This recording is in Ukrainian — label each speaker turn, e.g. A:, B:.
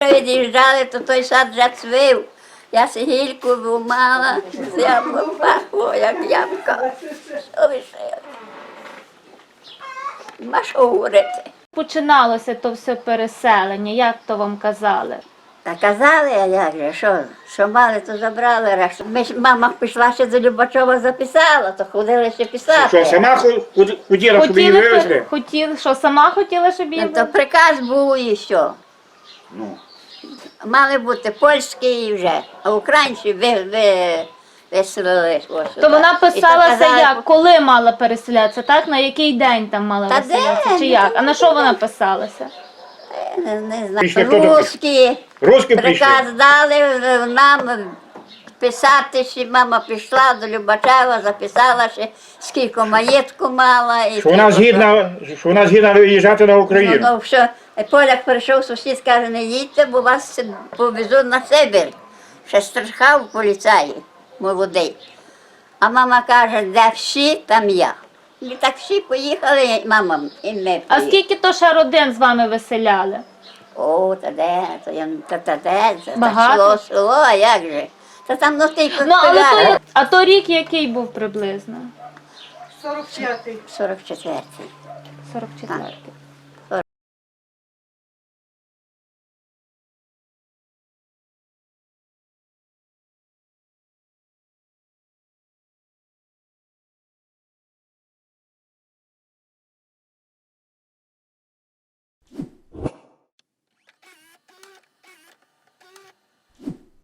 A: Від'їжджали, то той сад вже цвів. Я сигільку вимала, яблуко пахло, як ябка. Що лишили? Нема що говорити.
B: Починалося то все переселення, як то вам казали?
A: Та казали, а як же, що мали, то забрали решту. Мама пішла ще до Любачова записала, то ходили ще писати.
C: Що, сама хотіла, щоб її вивезли?
B: Що сама хотіла, щоб її
A: Ну, то приказ був і що.
C: Ну.
A: Мали бути польські вже, а українці виселили.
B: То вона писалася як? Коли мала переселятися, так? На який день там мала
A: Та
B: виселятися?
A: де?
B: Чи як? А на що вона писалася?
A: Не
C: Після
A: знаю,
C: того
A: русські.
C: Русські прийшли.
A: Приказ дали нам писати, що мама пішла до Любачева, записала, що скільки маєтку мала. І
C: Що вона згідна виїжджати на Україну.
A: Ну, що поляк прийшов, сусід каже, не їдьте, бо вас повезуть на Сибір. Ще страхав поліцаї, молодий. А мама каже, де всі, там я. І так всі поїхали, мама і ми
B: А
A: поїхали.
B: скільки то ще родин з вами виселяли?
A: О, та де, та де, це
B: Багато?
A: село, а як же? Та там ну тільки
B: Ну, але то, а то рік який був приблизно?
A: 44-й.
B: 44-й.